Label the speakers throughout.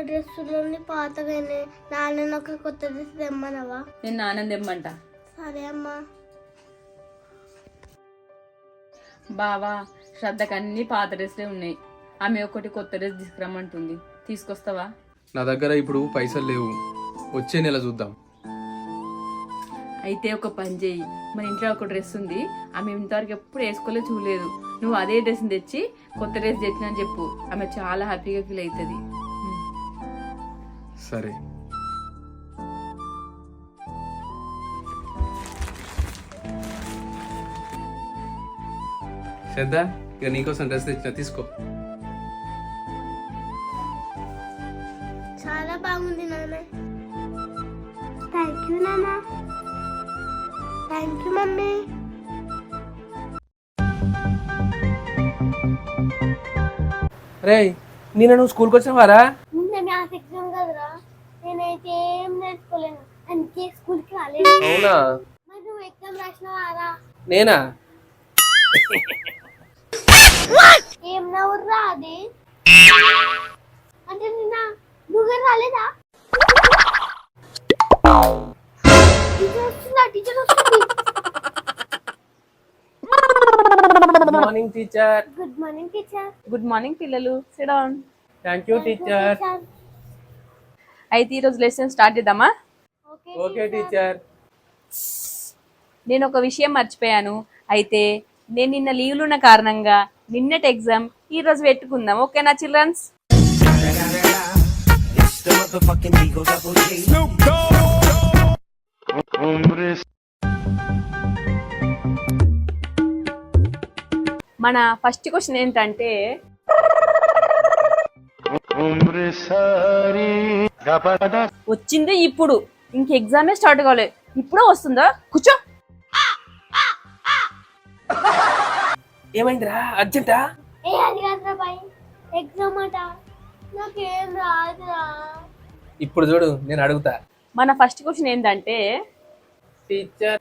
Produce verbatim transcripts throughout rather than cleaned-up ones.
Speaker 1: డ్రెస్సులోని పాతగానే నాన్న ఒక కొత్త డ్రెస్ తెమ్మనవా?
Speaker 2: నేను నాన్న తెమ్మంట.
Speaker 1: సరే అమ్మా.
Speaker 2: బావా శ్రద్ధకు అన్ని పాత డ్రెస్లే ఉన్నాయి. ఆమె ఒకటి కొత్త డ్రెస్ తీసుకురమ్మంటుంది, తీసుకొస్తావా?
Speaker 3: నా దగ్గర ఇప్పుడు పైసలు లేవు, వచ్చే నెల చూద్దాం.
Speaker 2: అయితే ఒక పని చేయి, మన ఇంట్లో ఒక డ్రెస్ ఉంది, ఆమె ఇంతవరకు ఎప్పుడు వేసుకోలే చూడలేదు. నువ్వు అదే డ్రెస్ తెచ్చి కొత్త డ్రెస్ తెచ్చినా అని చెప్పు, ఆమె చాలా హ్యాపీగా ఫీల్ అవుతుంది.
Speaker 3: సరే. శ్రద్ధ, ఇక నీకోసం డ్రెస్ తెచ్చిన, తీసుకో.
Speaker 1: చాలా బాగుంది నాన్న. థ్యాంక్ యూ నాన్న. Thank you mummy.
Speaker 3: రే, నేను నువ్వు స్కూల్కి వచ్చినవారా?
Speaker 1: ముందే మ్యాథ్స్ ఎగ్జామ్ కదరా, నేనైతే ఏం నేర్చుకోలేను, అందుకే స్కూల్కి రాలేదు.
Speaker 3: అవునా?
Speaker 1: మరి నువ్వు ఎగ్జామ్ రాసినవారా?
Speaker 3: నేనా?
Speaker 1: ఏం నవ్వురా అది? అంటే నిన్న నువ్వే రాలేదా? టీచర్ వస్తుందా? టీచర్ వస్తుంది.
Speaker 3: Good morning teacher.
Speaker 1: Good morning teacher.
Speaker 2: Good morning పిల్లలు, sit down.
Speaker 3: Thank you teacher.
Speaker 2: అయితే ఈరోజు లెసన్ స్టార్ట్ చేద్దామా?
Speaker 3: Okay teacher.
Speaker 2: నేను ఒక విషయం మర్చిపోయాను. అయితే నేను నిన్న లీవ్లు ఉన్న కారణంగా నిన్నటి ఎగ్జామ్ ఈ రోజు పెట్టుకుందాం. ఓకేనా చిల్డ్రన్స్? మన ఫస్ట్ క్వశ్చన్ ఏంటంటే, వచ్చింది ఇప్పుడు, ఇంక ఎగ్జామే స్టార్ట్ కాలేదు, ఇప్పుడు వస్తుందా? కూర్చో.
Speaker 3: ఏమైందిరా, అర్జెంటా?
Speaker 1: ఏ అది కాదురా బాయ్, ఎగ్జామ్ అట, నాకేం రాదురా.
Speaker 3: ఇప్పుడు చూడు, నేను అడుగుతా.
Speaker 2: మన ఫస్ట్ క్వశ్చన్ ఏంటంటే,
Speaker 3: టీచర్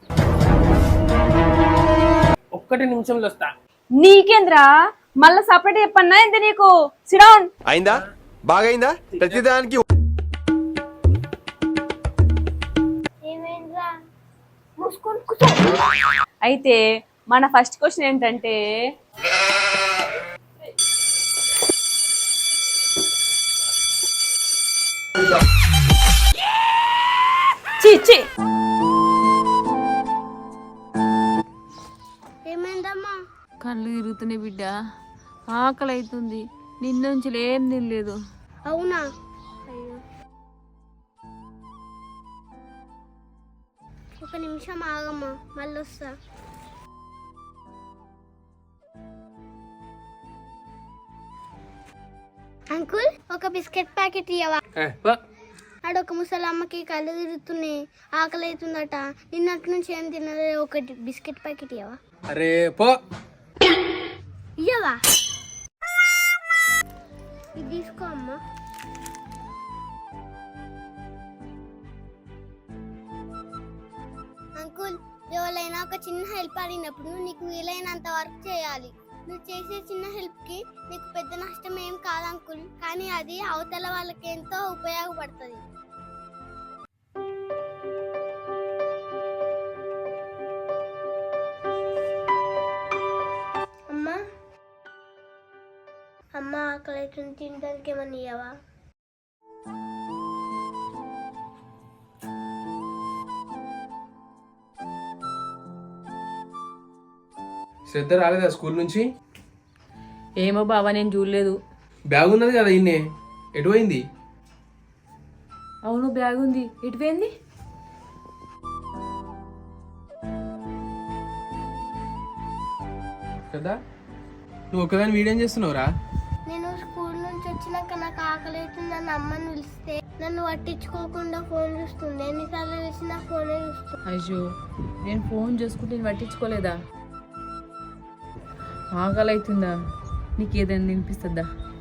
Speaker 3: ఒక్కటి నిమిషంలో వస్తా.
Speaker 2: నీకేంద్రా మళ్ళా సపరేట్ చెప్పన్నా ఎంత నీకు? Sit down.
Speaker 4: అయిందా? బాగైందా? ప్రతిదానికి
Speaker 1: ఏమైందిరా? మూసుకొని కూర్చో.
Speaker 2: అయితే మన ఫస్ట్ క్వశ్చన్ ఏంటంటే, చి చి
Speaker 1: ఏమైందమ్మా?
Speaker 2: కళ్ళు తిరుగుతున్నాయి బిడ్డ, ఆకలి అవుతుంది, నిన్న నుంచి ఏం తినలేదు.
Speaker 1: అవునా? అయ్యో, ఒక నిమిషం ఆగమ్మా, మళ్ళీ వస్తా. అంకుల్, ఒక బిస్కెట్ ప్యాకెట్ ఇవ్వవా? ఆడొక ముసలమ్మకి కళ్ళు తిరుగుతున్నాయి, ఆకలి అవుతుందట, నిన్నటి నుంచి ఏం తినలే, ఒక బిస్కెట్ ప్యాకెట్ ఇవ్వవా?
Speaker 3: అరే పో.
Speaker 1: ఇయ్యవా? ఇది తీసుకో అమ్మా. అంకుల్, ఎవరైనా ఒక చిన్న హెల్ప్ అడిగినప్పుడు నీకు వీలైనంత వరకు చేయాలి. నువ్వు చేసే చిన్న హెల్ప్ కి నీకు పెద్ద నష్టం ఏం కాదు అంకుల్, కానీ అది అవతల వాళ్ళకి ఎంతో ఉపయోగపడుతుంది. అమ్మా, అమ్మ ఆకలి అవుతుంది, తినడానికి ఏమన్నా ఇయ్యవా?
Speaker 3: శ్రద్ధ రాలేదా స్కూల్ నుంచి?
Speaker 2: ఏమో బావా, నేను చూడలేదు.
Speaker 3: బ్యాగ్ ఉన్నది కదా ఇన్నే, ఎటు పోయింది?
Speaker 2: అవును బ్యాగ్ ఉంది, ఎటు పోయింది?
Speaker 3: కదా నువ్వు ఒకదాని వీడియో చేస్తున్నావురా?
Speaker 1: నేను స్కూల్ నుంచి వచ్చినాక నాకు ఆకలి అవుతుందని అమ్మని పిలిస్తే నన్ను పట్టించుకోకుండా ఫోన్ చూస్తుంది. ఎన్నిసార్లు పిలిచినా ఫోనే చూస్తుంది.
Speaker 2: అయ్యో, నేను ఫోన్ చూసుకుంటే నేను పట్టించుకోలేదా? ఆకలి అవుతుందా? నీకు ఏదైనా వినిపిస్తుందా?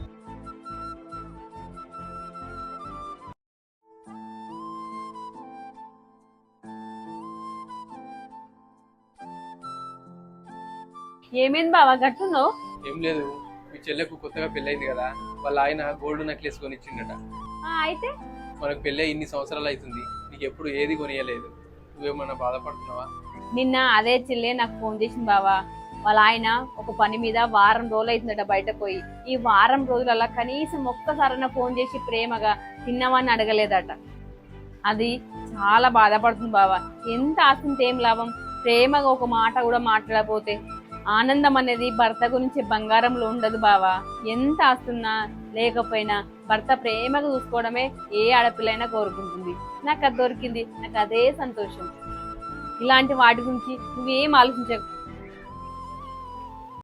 Speaker 2: ఏమైంది బావా గట్టున్నావు?
Speaker 3: ఏం లేదు, మీ చెల్లెకు కొత్తగా పెళ్ళైంది కదా, వాళ్ళ ఆయన గోల్డ్ నెక్లెస్ కొని ఇచ్చిండట.
Speaker 5: ఆ, అయితే
Speaker 3: మనకు పెళ్ళి ఇన్ని సంవత్సరాలు అవుతుంది, నీకు ఎప్పుడు ఏది కొనియలేదు. నువ్వేమన్నా బాధపడుతున్నావా?
Speaker 5: నిన్న అదే చిల్లే నాకు ఫోన్ చేసింది బావా. వాళ్ళ ఆయన ఒక పని మీద వారం రోజులు అవుతుందట బయట పోయి. ఈ వారం రోజులలో కనీసం ఒక్కసారైనా ఫోన్ చేసి ప్రేమగా తిన్నామని అడగలేదట. అది చాలా బాధపడుతుంది బావా. ఎంత ఆస్తుంటే ఏం లాభం, ప్రేమగా ఒక మాట కూడా మాట్లాడకపోతే. ఆనందం అనేది భర్త గురించి బంగారంలో ఉండదు బావా. ఎంత ఆస్తున్నా లేకపోయినా భర్త ప్రేమగా చూసుకోవడమే ఏ ఆడపిల్లైనా కోరుకుంటుంది. నాకు అది దొరికింది, నాకు అదే సంతోషం. ఇలాంటి వాటి గురించి నువ్వేం ఆలోచించకు.